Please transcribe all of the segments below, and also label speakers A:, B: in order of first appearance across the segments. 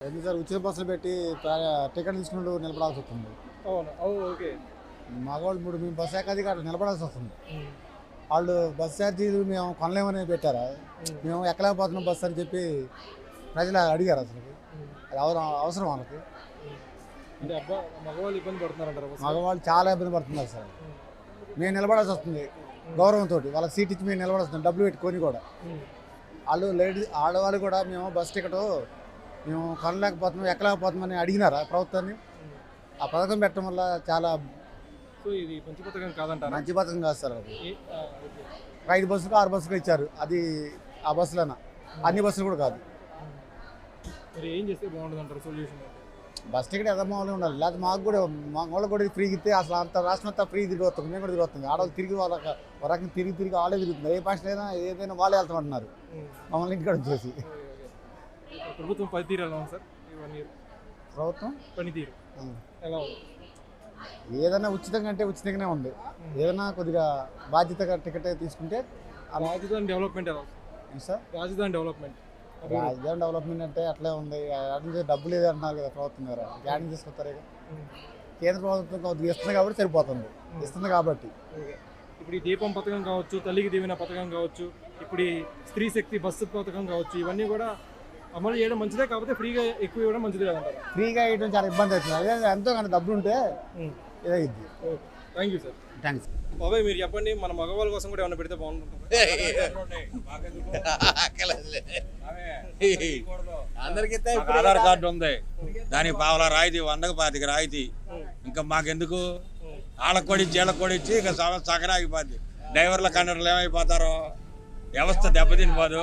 A: ఎందుకు సార్ ఉచిత బస్సులు పెట్టి టికెట్ తీసుకున్నట్టు నిలబడాల్సి వస్తుంది.
B: అవును. ఓకే.
A: మగవాళ్ళు ఇప్పుడు మేము బస్సు ఎక్కది కాదు నిలబడాల్సి వస్తుంది. వాళ్ళు బస్సు ఛార్జీలు మేము కొనలేమని పెట్టారా, మేము ఎక్కలేకపోతున్నాం బస్సు అని చెప్పి ప్రజలు అడిగారు. అసలు అది అవసరం వాళ్ళకి.
B: అంటే మగవాళ్ళు ఇబ్బంది పడుతున్నారంటారు.
A: మగవాళ్ళు చాలా ఇబ్బంది పడుతున్నారు సార్. మేము నిలబడాల్సి వస్తుంది గౌరవంతో, వాళ్ళకి సీట్ ఇచ్చి మేము నిలబడాల్సి వస్తుంది డబ్బులు పెట్టుకొని కూడా. వాళ్ళు ఆడవాళ్ళు కూడా మేము బస్ టికెట్ మేము కొనలేకపోతున్నాం ఎక్కలేకపోతున్నామని అడిగినారా ప్రభుత్వాన్ని. ఆ పథకం పెట్టడం వల్ల చాలా
B: ఇది మంచి పథకం కాదంటారు.
A: మంచి పథకం కాదు సార్. అది 5 బస్సులు 6 బస్సులు ఇచ్చారు. అది ఆ బస్సులైనా అన్ని బస్సులు కూడా కాదు.
B: మరి ఏం చేస్తే బాగుంటుంది అంటారు సొల్యూషన్?
A: బస్ టికెట్ ఎదమాలు ఉండాలి. లేకపోతే మాకు కూడా మా వాళ్ళకి కూడా ఫ్రీగా ఇస్తే అసలు అంత రాష్ట్రం అంతా ఫ్రీ తిరిగి వస్తుంది. మేము కూడా తిరిగి వస్తుంది. ఆడవాళ్ళు తిరిగి ఒక రకంగా తిరిగి వాళ్ళే తిరుగుతుంది. ఏ భాష అయినా ఏదైనా వాళ్ళే వెళ్తామంటున్నారు మమ్మల్ని ఇంటికాడ వచ్చేసి.
B: ప్రభుత్వం పనితీరు ఎలా ఉంది సార్?
A: ప్రభుత్వం
B: పనితీరు ఎలా ఉంది?
A: ఏదైనా ఉచితంగా అంటే ఉచితంగానే ఉంది. ఏదైనా కొద్దిగా బాధ్యతగా టికెట్ తీసుకుంటే.
B: రాజధాని డెవలప్మెంట్ ఎలా
A: సార్?
B: రాజధాని డెవలప్మెంట్
A: అంటే అట్లే ఉంది. అట్లా డబ్బు లేదు అంటున్నారు కదా ప్రభుత్వం ద్వారా. గ్యారెంటీ తీసుకొస్తారు. కేంద్ర ప్రభుత్వం కొద్దిగా ఇస్తుంది కాబట్టి సరిపోతుంది. ఇస్తుంది కాబట్టి
B: ఇప్పుడు ఈ దీపం పథకం కావచ్చు, తల్లికి దీవెన పథకం కావచ్చు, ఇప్పుడు ఈ స్త్రీ శక్తి బస్సు పథకం కావచ్చు, ఇవన్నీ కూడా అమలు చేయడం మంచిదే. కాకపోతే ఫ్రీగా ఎక్కువ ఇవ్వడం మంచిది కదంటారు.
A: ఫ్రీగా ఇవ్వడం చాలా ఇబ్బంది అవుతుంది. అదే ఎంతో కానీ డబ్బులు ఉంటే ఇదైద్ది.
B: Thank you sir.
A: థ్యాంక్స్
B: బాబాయ్, మీరు చెప్పండి, మన మగవాళ్ళ కోసం కూడా ఏమైనా పెడితే బాగుంటుంది.
C: అందరికి ఆధార్ కార్డు ఉంది, దానికి పావలా రాయితీ, 100కి 25 రాయితీ. ఇంకా మాకెందుకు? వాళ్ళకి కొడిచ్చి వీళ్ళకి కొడిచ్చి ఇక సగం ఆగిపోద్ది. డ్రైవర్ల కండక్టర్లు ఏమైపోతారో, వ్యవస్థ దెబ్బతినిపోదు.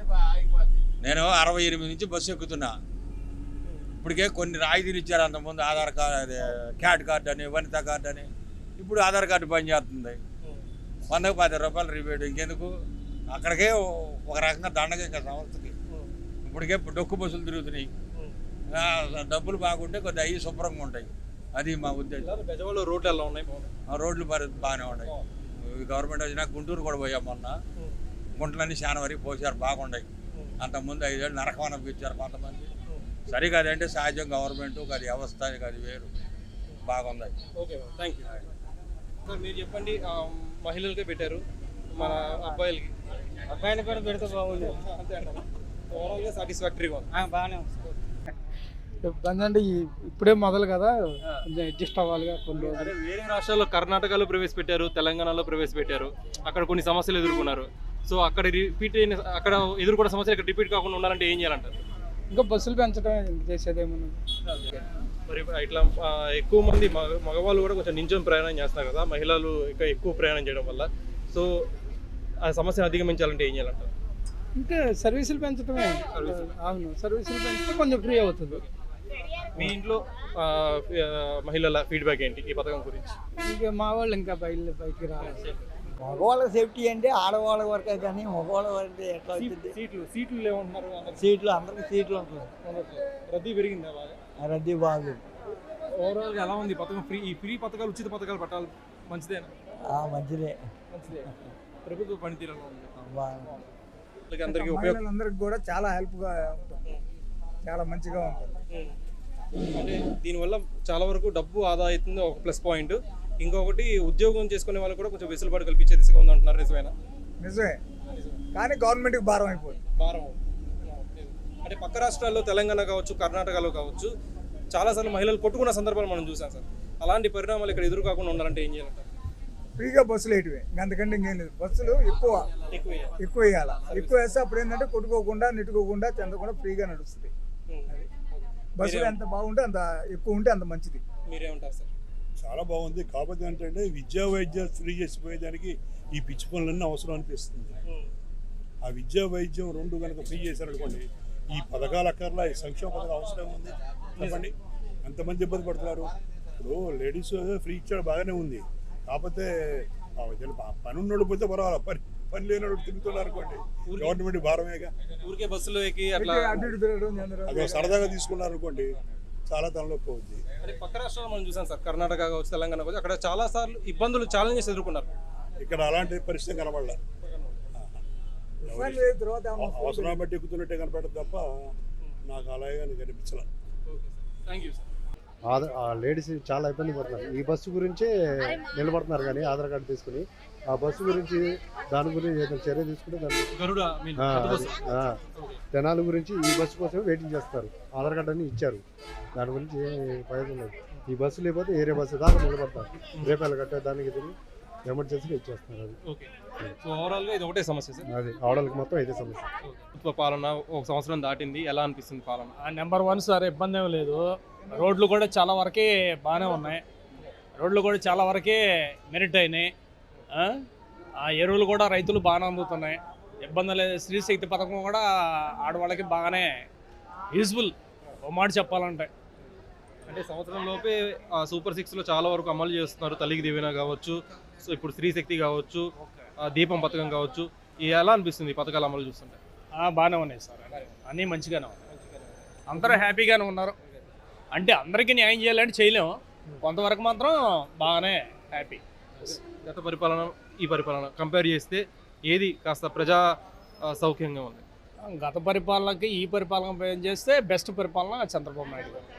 C: నేను 68 నుంచి బస్సు ఎక్కుతున్నా. ఇప్పటికే కొన్ని రాయితీలు ఇచ్చారు. అంతకుముందు ఆధార్ కార్డు, క్యాట్ కార్డు అని, వనితా కార్డు అని. ఇప్పుడు ఆధార్ కార్డు పనిచేస్తుంది. 100కి 10 రూపాయలు రిబేట్. ఇంకెందుకు? అక్కడికే ఒక రకంగా దండగా ఇంకా సంస్థకి. ఇప్పటికే డొక్కు బస్సులు తిరుగుతున్నాయి. డబ్బులు బాగుంటే కొద్దిగా అవి శుభ్రంగా ఉంటాయి. అది మా ఉద్దేశం.
B: పెద్దవాళ్ళు రోడ్లు ఎలా ఉన్నాయి?
C: రోడ్లు బాగానే ఉన్నాయి. గవర్నమెంట్ వచ్చినా గుంటూరు కూడా పోయాం మొన్న. గుంటలన్నీ చాలా వరకు పోసారు, బాగున్నాయి. అంతకుముందు 5 ఏళ్ళు నరకం అనిపించారు కొంతమంది. సరిగా అదంటే సహజం. గవర్నమెంట్ అది వ్యవస్థ, అది వేరు, బాగుంది.
B: Okay, thank you sir. మీరు చెప్పండి, మహిళలకే పెట్టారు, మన అబ్బాయిలకి కూడా పెడితే బాగుంది అంతే అంటారు. ఓవరాల్గా సాటిస్ఫాక్టరీగా ఉంది.
D: బాగానే ఉంది. ఇబ్బంది అంటే ఇప్పుడే మొదలు కదా, కొంచెం అడ్జస్ట్ అవ్వాలిగా కొన్ని రోజులు.
B: వేరే రాష్ట్రాల్లో కర్ణాటకలో ప్రవేశపెట్టారు, తెలంగాణలో ప్రవేశపెట్టారు. అక్కడ కొన్ని సమస్యలు ఎదుర్కొన్నారు. సో అక్కడ రిపీట్ అయిన అక్కడ ఎదుర్కొన్న సమస్యలు ఇక్కడ రిపీట్ కాకుండా ఉండాలంటే ఏం చేయాలంటారు?
D: ఇంకా బస్సులు పెంచడం చేసేదేమన్నా.
B: మరి ఇట్లా ఎక్కువ మంది మగవాళ్ళు కూడా కొంచెం నించొని ప్రయాణం చేస్తున్నారు కదా, మహిళలు ఇంకా ఎక్కువ ప్రయాణం చేయడం వల్ల. సో ఆ సమస్యను అధిగమించాలంటే ఏం చేయాలంటారు?
D: ఇంకా సర్వీసులు పెంచడమే. అవును, సర్వీసులు పెంచితే కొంచెం ఫ్రీ అవుతుంది.
B: మీ ఇంట్లో మహిళల ఫీడ్బ్యాక్ ఏంటి ఈ పథకం గురించి?
D: ఇంకా మా వాళ్ళు ఇంకా బయటికి రావాలి.
E: మగవాళ్ళ సేఫ్టీ అంటే ఆడవాళ్ళ వరకే కానీ మగవాళ్ళ వరకు ఎట్లా అవుతుంది?
B: సీట్లు లేవంటున్నారు.
E: సీట్లు అందరికి సీట్లు ఉంటుంది.
B: రద్దీ పెరిగిందా బాగా?
E: రద్దీ బాగుంది.
B: ఓవరాల్గా ఎలా ఉంది పథకం? ఈ ఫ్రీ పథకాలు, ఉచిత పథకాలు పెట్టాలి, మంచిదేనా?
E: మంచిదే.
B: ప్రభుత్వ పనితీరు ఎలా ఉంది?
D: అందరికీ మహిళలందరికీ కూడా చాలా హెల్ప్గా ఉంటుంది, చాలా మంచిగా ఉంటుంది.
B: అంటే దీనివల్ల చాలా వరకు డబ్బు ఆదా అవుతుంది, ఒక ప్లస్ పాయింట్. ఇంకొకటి, ఉద్యోగం చేసుకునే వాళ్ళు కూడా కొంచెం వెసులుబాటు కల్పించే దిశగా ఉంది అంటున్నారు. నిజమేనా?
D: నిజమే, కానీ గవర్నమెంట్కి భారం అయిపోతుంది.
B: భారం అంటే పక్క రాష్ట్రాల్లో, తెలంగాణ కావచ్చు, కర్ణాటకలో కావచ్చు, చాలాసార్లు మహిళలు కొట్టుకున్న సందర్భాలు మనం చూసాం సార్. అలాంటి పరిణామాలు ఇక్కడ ఎదురు కాకుండా ఉండాలంటే ఏం చేయాలంటారు?
D: ఫ్రీగా బస్సులు వేయటమే, అంతకంటే ఇంకేం లేదు. బస్సులు ఎక్కువ వేయాలి. ఎక్కువ వేస్తే అప్పుడు ఏంటంటే కొట్టుకోకుండా, నెట్టుకోకుండా, చెందకుండా ఫ్రీగా నడుస్తుంది. బస్సులు ఎంత బాగుంటే అంత ఎక్కువ ఉంటే అంత మంచిది.
B: మీరేమంటారు సార్?
F: చాలా బాగుంది. కాకపోతే ఏంటంటే విద్యా వైద్యాలు ఫ్రీ చేసిపోయేదానికి ఈ పిచ్చి పనులన్నీ అవసరం అనిపిస్తుంది. ఆ విద్యా వైద్యం 2 కనుక ఫ్రీ చేశారనుకోండి, ఈ పథకాలు అక్కర్లా, ఈ సంక్షేమ పథకాలు అవసరం ఉంది. చెప్పండి, ఎంతమంది ఇబ్బంది పడుతున్నారు. ఇప్పుడు లేడీస్ ఫ్రీ ఇచ్చాడు, బాగానే ఉంది. కాకపోతే పని ఉన్నోళ్ళు పోతే పర్వాలేదు, పని లేనోడు తిరుగుతున్నారు అనుకోండి, గవర్నమెంట్ భారమేగా.
B: ఊరికే బస్సులో ఎక్కి అట్లా
F: అది సరదాగా తీసుకున్నారు అనుకోండి, చాలా తనలోకి అవుద్ది.
B: అంటే పక్క రాష్ట్రాలు మనం చూసాం సార్, కర్ణాటక కావచ్చు, తెలంగాణ కావచ్చు, అక్కడ చాలా సార్లు ఇబ్బందులు, ఛాలెంజెస్ ఎదుర్కొన్నారు.
F: ఇక్కడ అలాంటి పరిస్థితి కనబడలే. అవసరం బట్టి ఎక్కుతున్నట్టే కనపడదు తప్ప నాకు అలాగే కనిపించాల.
B: Thank you sir.
G: ఆ లేడీస్ చాలా ఇబ్బంది పడుతున్నారు. ఈ బస్సు గురించే నిలబడుతున్నారు కానీ ఆధార్ కార్డు తీసుకుని ఆ బస్సు గురించి దాని గురించి ఏదైనా చర్య తీసుకుంటే దాని
B: గరుడ
G: జనాల గురించి ఈ బస్సు కోసం వెయిటింగ్ చేస్తారు. ఆధార్ కార్డు అని ఇచ్చారు, దాని గురించి ప్రయోజనం లేదు. ఈ బస్సు లేకపోతే వేరే బస్సు దాకా నిలబడతారు. రేపాయలు కట్టే దానికి తిరిగి ఎమర్జెన్సీగా ఇచ్చేస్తున్నారు. అది
B: ఓకే. సో ఓవరాల్గా ఇది ఒకటే సమస్య సార్.
G: అది ఆడవాళ్ళకి మొత్తం ఇదే సమస్య.
B: ప్రభుత్వ పాలన 1 సంవత్సరం దాటింది, ఎలా అనిపిస్తుంది పాలన?
H: నెంబర్ 1 సార్, ఇబ్బంది ఏం లేదు. రోడ్లు కూడా చాలా వరకే బాగానే ఉన్నాయి. రోడ్లు కూడా చాలా వరకే మెరిట్ అయినాయి. ఆ ఎరువులు కూడా రైతులు బాగానే అందుతున్నాయి, ఇబ్బంది లేదు. స్త్రీ శక్తి పథకం కూడా ఆడవాళ్ళకి బాగానే యూజ్ఫుల్ ఓ మాట చెప్పాలంటే.
B: అంటే సంవత్సరం లోపే సూపర్ 6లో చాలా వరకు అమలు చేస్తున్నారు. తల్లికి దీవెన కావచ్చు, సో ఇప్పుడు స్త్రీ శక్తి కావచ్చు, దీపం పథకం కావచ్చు. ఎలా అనిపిస్తుంది ఈ పథకాలు అమలు చూస్తుంటే?
H: బాగానే ఉన్నాయి సార్, అన్నీ మంచిగానే ఉన్నాయి. అందరూ హ్యాపీగానే ఉన్నారు. అంటే అందరికీ న్యాయం చేయాలంటే చేయలేము, కొంతవరకు మాత్రం బాగానే హ్యాపీ.
B: గత పరిపాలన ఈ పరిపాలన కంపేర్ చేస్తే ఏది కాస్త ప్రజా సౌఖ్యంగా ఉంది?
H: గత పరిపాలనకి ఈ పరిపాలన చేస్తే బెస్ట్ పరిపాలన చంద్రబాబు నాయుడు గారు.